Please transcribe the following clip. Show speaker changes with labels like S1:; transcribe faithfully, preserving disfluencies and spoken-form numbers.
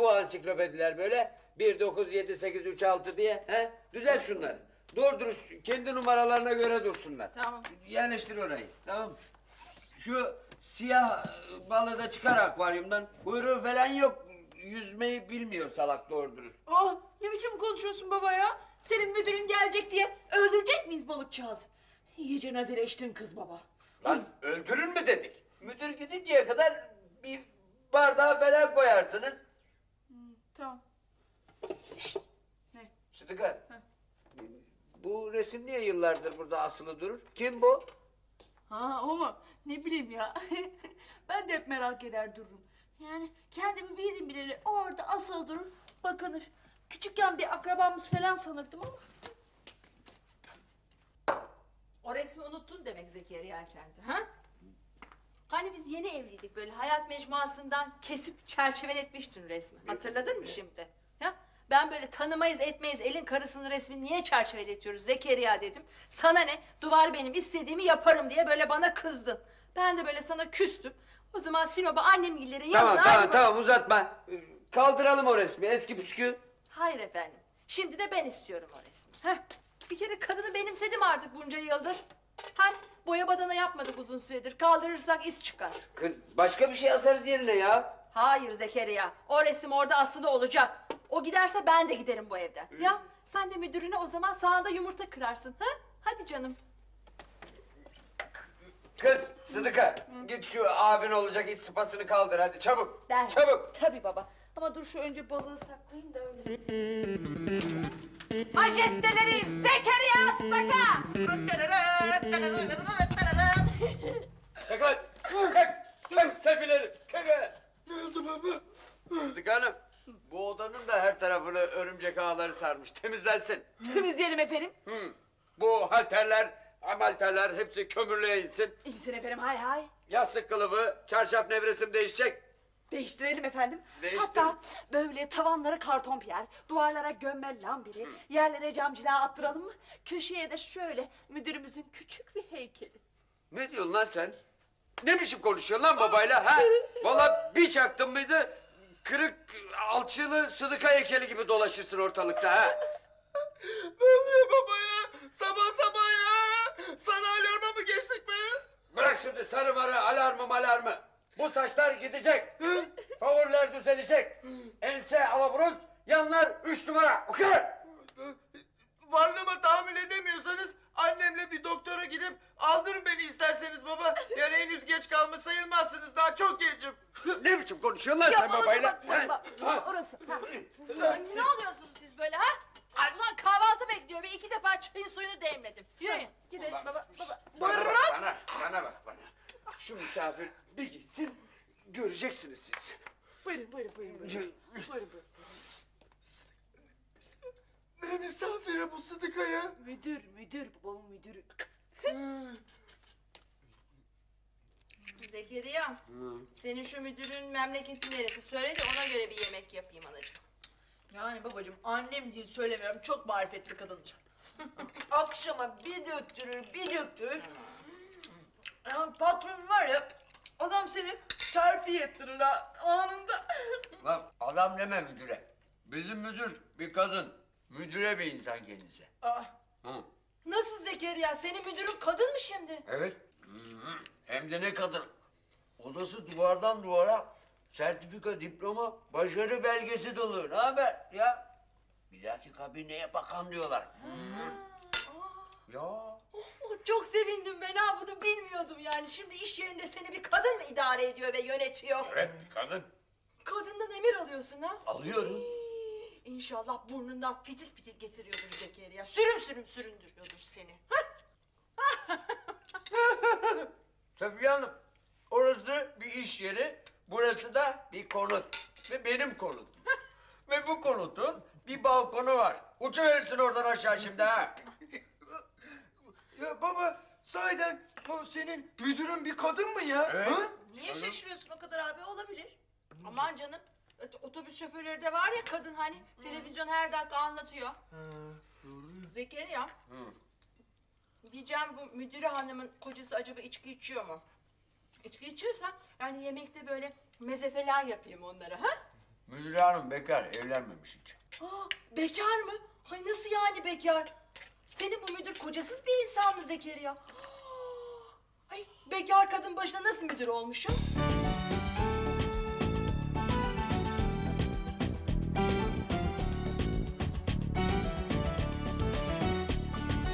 S1: bu ansiklopediler böyle? Bir, dokuz, yedi, sekiz, üç, altı diye. He? Düzel şunları. Doğru dürüst kendi numaralarına göre dursunlar.
S2: Tamam.
S1: Yerleştir orayı. Tamam mı? Şu siyah balığı da çıkar akvaryumdan. Kuyruğu falan yok. Yüzmeyi bilmiyor salak doğru dürüst.
S2: Oh, ne biçim konuşuyorsun baba ya? Senin müdürün gelecek diye öldürecek miyiz balıkçağızı? İyice nazileştin kız baba.
S1: Lan öldürür mü dedik? Müdür gidinceye kadar bir bardağa falan koyarsınız.
S2: Hmm, tamam.
S1: Şşt!
S2: Ne?
S1: Sıdıka. Bu resim niye yıllardır burada asılı durur? Kim bu?
S2: Ha o mu? Ne bileyim ya. Ben de hep merak eder dururum. Yani kendimi bildim bileli orada asıl durur, bakınır. Küçükken bir akrabamız falan sanırdım ama.
S3: O resmi unuttun demek Zekeriya Efendi, ha? Hani biz yeni evliydik böyle hayat mecmuasından kesip çerçeveletmiştin resmi. Hatırladın mı şimdi? Ya ben böyle tanımayız etmeyiz elin karısının resmini niye çerçeveletiyoruz Zekeriya dedim. Sana ne? Duvar benim istediğimi yaparım diye böyle bana kızdın. Ben de böyle sana küstüm. O zaman Sinop'a annemgillerin yanına...
S1: Tamam tamam
S3: ayrı-
S1: tamam uzatma. Kaldıralım o resmi eski püskü.
S3: Hayır efendim. Şimdi de ben istiyorum o resmi. Heh. Bir kere kadını benimsedim artık bunca yıldır. Hem boya badana yapmadık uzun süredir. Kaldırırsak iz çıkar.
S1: Kız başka bir şey asarız yerine ya.
S3: Hayır Zekeriya. O resim orada asılı olacak. O giderse ben de giderim bu evden. Ya sen de müdürüne o zaman sağında yumurta kırarsın. Ha? Hadi canım.
S1: Kız Sıdıka git şu abin olacak iç sıpasını kaldır hadi çabuk.
S2: Ben.
S1: Çabuk.
S2: Tabii baba. Ama dur şu önce balığı saklayayım da öyle.
S3: Majesteleri Zekeriya Saka!
S1: Kalk lan. Kalk. Kalk sefilerim. Kalk lan.
S4: Ne oldu baba?
S1: Sıdıka Hanım bu odanın da her tarafını örümcek ağları sarmış temizlensin.
S2: Temizleyelim efendim.
S1: Hı. Bu halterler, amalterler hepsi kömürlüğe insin.
S2: İyisin efendim, hay hay.
S1: Yastık kılıfı, çarşaf nevresim değişecek.
S2: Değiştirelim efendim.
S1: Değiştirin.
S2: Hatta böyle tavanlara karton piyer, duvarlara gömmel lambiri, yerlere cam cila attıralım mı? Köşeye de şöyle müdürümüzün küçük bir heykeli.
S1: Ne diyorsun lan sen? Ne biçim konuşuyorsun lan babayla ha? Vallahi bir çaktın mıydı kırık alçılı Sıdıka heykeli gibi dolaşırsın ortalıkta ha?
S4: Ne oluyor baba ya? Sabah sabah ya! Sana alarma mı geçtik be?
S1: Bırak şimdi sarı marı alarmı malarmı. Bu saçlar gidecek. Favoriler düzelecek. Ense alaburuz, yanlar üç numara. O kadar.
S4: Varlığıma tahammül edemiyorsanız annemle bir doktora gidip aldırın beni isterseniz baba. Yani henüz geç kalmış sayılmazsınız. Daha çok gencim.
S1: Ne biçim konuşuyorsun lan sen
S2: baba,
S1: babayla?
S2: baba,
S1: Ha?
S2: baba,
S1: Ha?
S2: orası. Ha.
S3: Ne oluyorsunuz siz böyle ha? Ay ulan kahvaltı bekliyor ve iki defa çayın suyunu demledim. Yürüyün.
S2: Gidelim baba, baba.
S1: Bana bak bana, bana bak bana. Şu misafir bir gitsin, göreceksiniz siz.
S2: Buyurun, buyurun, buyurun. Buyurun, buyurun. buyurun.
S4: Ne misafiri bu Sıdıka ya?
S2: Müdür, müdür, babamın müdürü.
S3: Zekeriya, senin şu müdürün memleketi neresi? Söyle de ona göre bir yemek yapayım anacığım.
S2: Yani babacığım annem diye söylemiyorum, çok marifetli kadındır. Akşama bir döktürür, bir döktürür. Yani patron var ya, adam seni terfi ettirir ha, anında.
S1: Lan adam deme müdüre. Bizim müdür bir kadın. Müdüre bir insan kendisi.
S2: Aa,
S1: Hı.
S3: Nasıl Zekeriya? Senin müdürün kadın mı şimdi?
S1: Evet. Hı. Hem de ne kadın. Odası duvardan duvara sertifika, diploma, başarı belgesi dolu. Ne haber ya? Bir dahaki kabineye bakan diyorlar. Hı. Ya.
S3: Oh, çok sevindim ben ha, bunu bilmiyordum yani. Şimdi iş yerinde seni bir kadın mı idare ediyor ve yönetiyor?
S1: Evet kadın.
S3: Kadından emir alıyorsun ha?
S1: Alıyorum.
S3: İnşallah burnundan fitil fitil getiriyordur Zekeriya. Sürüm sürüm süründürüyordur seni. Hah!
S1: Safiye Hanım, orası bir iş yeri, burası da bir konut. Ve benim konut. Ve bu konutun bir balkonu var. Uçuverirsin oradan aşağı şimdi ha.
S4: Ya baba sahiden o senin müdürün bir kadın mı ya?
S1: Evet.
S4: Ha?
S2: niye şaşırıyorsun o kadar abi, olabilir.
S3: Aman canım. ot- Otobüs şoförleri de var ya kadın hani. Televizyon her dakika anlatıyor. Zekeriya. Diyeceğim bu müdüre hanımın kocası acaba içki içiyor mu? İçki içiyorsa yani yemekte böyle meze falan yapayım onlara ha?
S1: Müdür hanım bekar, evlenmemiş hiç.
S3: Aa, bekar mı? Ay nasıl yani bekar? Senin bu müdür kocasız bir insan mı Zekeriya? Ay bekar kadın başına nasıl müdür olmuşum?